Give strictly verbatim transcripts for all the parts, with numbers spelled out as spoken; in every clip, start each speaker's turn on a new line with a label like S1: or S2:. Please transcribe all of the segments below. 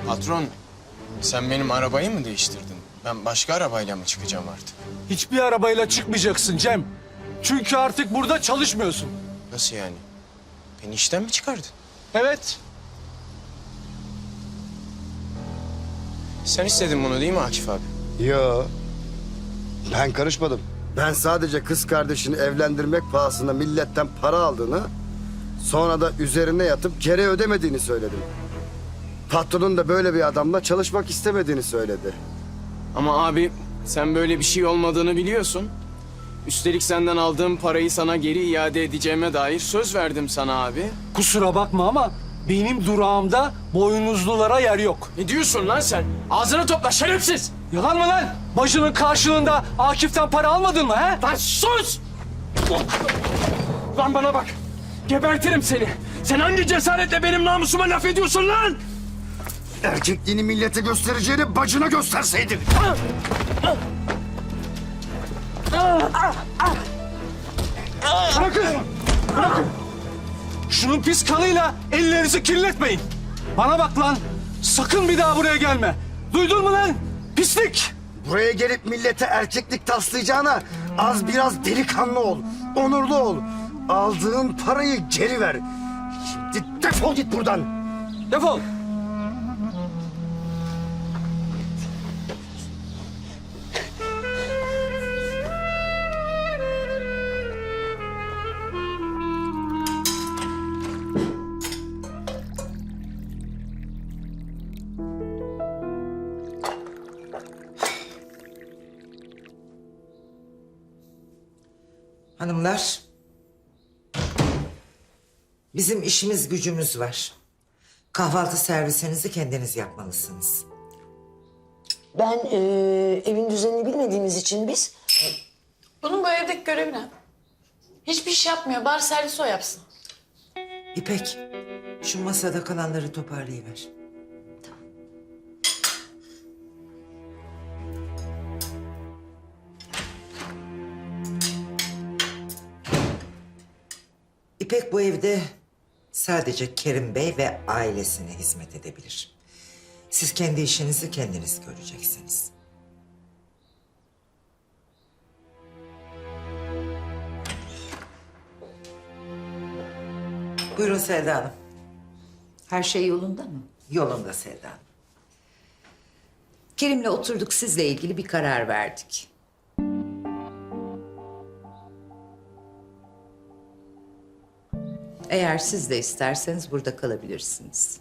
S1: Patron, sen benim arabayı mı değiştirdin? Ben başka arabayla mı çıkacağım artık?
S2: Hiçbir arabayla çıkmayacaksın Cem. Çünkü artık burada çalışmıyorsun.
S1: Nasıl yani? Beni işten mi çıkardın?
S2: Evet.
S1: Sen istedin bunu değil mi Akif abi?
S3: Yo. Ben karışmadım. Ben sadece kız kardeşini evlendirmek pahasına milletten para aldığını... ...sonra da üzerine yatıp geri ödemediğini söyledim. Patronun da böyle bir adamla çalışmak istemediğini söyledi.
S1: Ama abi sen böyle bir şey olmadığını biliyorsun. Üstelik senden aldığım parayı sana geri iade edeceğime dair söz verdim sana abi.
S2: Kusura bakma ama benim durağımda boynuzlulara yer yok.
S1: Ne diyorsun lan sen? Ağzını topla şerefsiz!
S2: Yalan mı lan? Bacının karşılığında Akif'ten para almadın mı he?
S1: Lan sus! Lan bana bak! Gebertirim seni! Sen hangi cesaretle benim namusuma laf ediyorsun lan?
S3: Erkekliğini millete göstereceğini bacına gösterseydin.
S2: Bırakın! Bırakın! Şunun pis kanıyla ellerinizi kirletmeyin. Bana bak lan! Sakın bir daha buraya gelme. Duydun mu lan? Pislik!
S3: Buraya gelip millete erkeklik taslayacağına az biraz delikanlı ol. Onurlu ol. Aldığın parayı geri ver. Şimdi defol git buradan.
S2: Defol!
S4: Hanımlar, bizim işimiz gücümüz var. Kahvaltı servisinizi kendiniz yapmalısınız.
S5: Ben e, evin düzenini bilmediğimiz için biz...
S6: Bunun bu evdeki görevi ne? Hiçbir iş yapmıyor. Bari servis o yapsın.
S4: İpek, şu masada kalanları toparlayıver. İpek bu evde sadece Kerim Bey ve ailesine hizmet edebilir. Siz kendi işinizi kendiniz göreceksiniz. Buyurun Selda Hanım.
S7: Her şey yolunda mı?
S4: Yolunda Selda Hanım.
S7: Kerim'le oturduk, sizle ilgili bir karar verdik. Eğer siz de isterseniz burada kalabilirsiniz.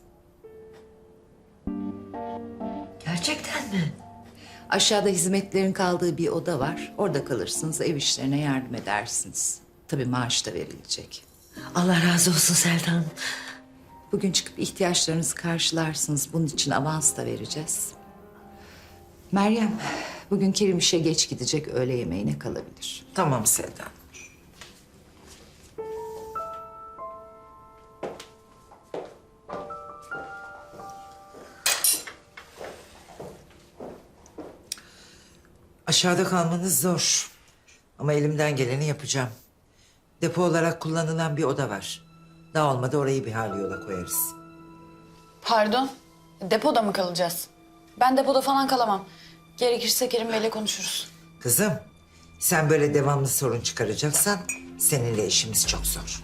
S5: Gerçekten mi?
S7: Aşağıda hizmetlerin kaldığı bir oda var. Orada kalırsınız, ev işlerine yardım edersiniz. Tabii maaş da verilecek.
S5: Allah razı olsun Selda Hanım.
S7: Bugün çıkıp ihtiyaçlarınızı karşılarsınız. Bunun için avans da vereceğiz. Meryem, bugün Kerim işe geç gidecek, öğle yemeğine kalabilir.
S4: Tamam Selda Hanım. Aşağıda kalmanız zor. Ama elimden geleni yapacağım. Depo olarak kullanılan bir oda var. Daha olmadı orayı bir hal yola koyarız.
S6: Pardon. Depoda mı kalacağız? Ben depoda falan kalamam. Gerekirse Kerim Bey'le konuşuruz.
S4: Kızım, sen böyle devamlı sorun çıkaracaksan seninle işimiz çok zor.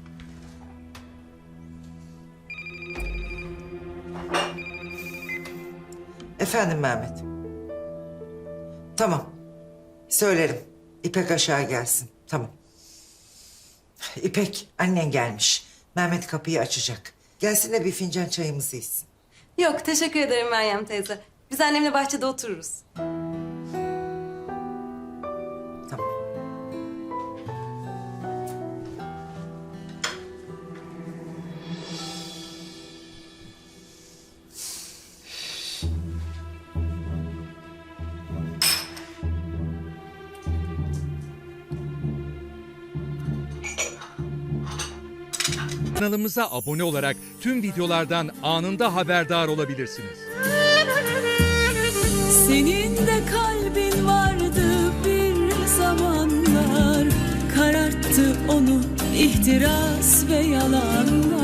S4: Efendim Mehmet. Tamam. Söylerim. İpek aşağı gelsin. Tamam. İpek, annen gelmiş. Mehmet kapıyı açacak. Gelsin de bir fincan çayımızı içsin.
S8: Yok, teşekkür ederim Meryem teyze. Biz annemle bahçede otururuz.
S4: Tamam.
S9: Kanalımıza abone olarak tüm videolardan anında haberdar olabilirsiniz.
S10: Senin de kalbin vardı bir zamanlar, kararttı onu ihtiras ve yalanlar.